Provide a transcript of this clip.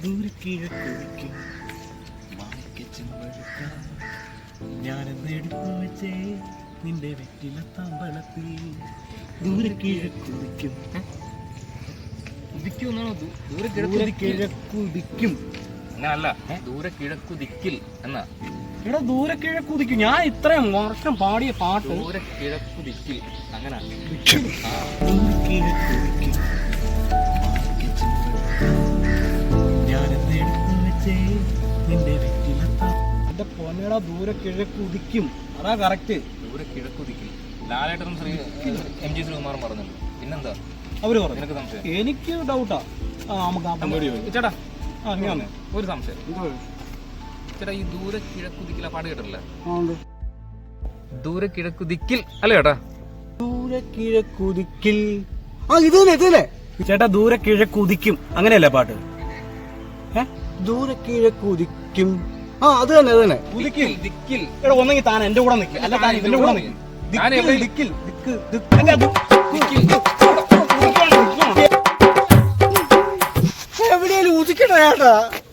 ദൂരെ കിഴക്കുതിക്കും ഞാനെന്ന് എടുത്തു വെച്ചേ നിന്റെ വെറ്റില തമ്പളത്തിൽ ദൂരെ കിഴക്കുതിക്കും ദൂരെ കിഴക്കുതിക്കും അങ്ങനല്ല, ദൂരെ കിഴക്കുദിക്കിൽ എന്നാ. ഇവിടെ ദൂരെ കിഴക്കുതിക്കും. ഞാൻ ഇത്രയും വർഷം പാടിയ പാട്ട് ദൂരെ കിഴക്കുദിക്കിൽ അങ്ങനെ. ഞാനെന്ന് എടുത്തു വെച്ചേ നിന്റെ വെറ്റില എന്റെ പൊന്നടാ ദൂരെ കിഴക്കുതിക്കും. അതാ കറക്റ്റ്. ദൂരെ കിഴക്കുദിക്കിൽ ലാലേട്ടനും MG ശ്രീകുമാറും പറഞ്ഞല്ലോ. പിന്നെന്താ അവര് പറഞ്ഞു? നിനക്ക് സംശയം? എനിക്ക് ഡൗട്ടാ. നമുക്ക് ചേട്ടാ അങ്ങനെ ഒരു സംശയം. ചേട്ടാ ഈ ദൂരെ കിഴക്കുദിക്കിൽ പാട്ട് കേട്ടില്ല? ദൂരെ കിഴക്കുദിക്കിൽ അല്ലേ ചേട്ടാ? ദൂരെ കിഴക്കുതിക്കിൽ. ഇത് തന്നെ ചേട്ടാ, ദൂരെ കിഴക്കുതിക്കും അങ്ങനെയല്ലേ പാട്ട്? ദൂരെ കിഴക്കുതിക്കും. അത് തന്നെ ദിക്കിൽ ദിക്കിൽ. എടാ ഒന്നെങ്കിൽ താൻ എന്റെ കൂടെ നിൽക്കും, അല്ല താൻ ഇതിന്റെ കൂടെ നിൽക്കും. എവിടെയാലും ഉദിക്കണ ചേട്ടാ.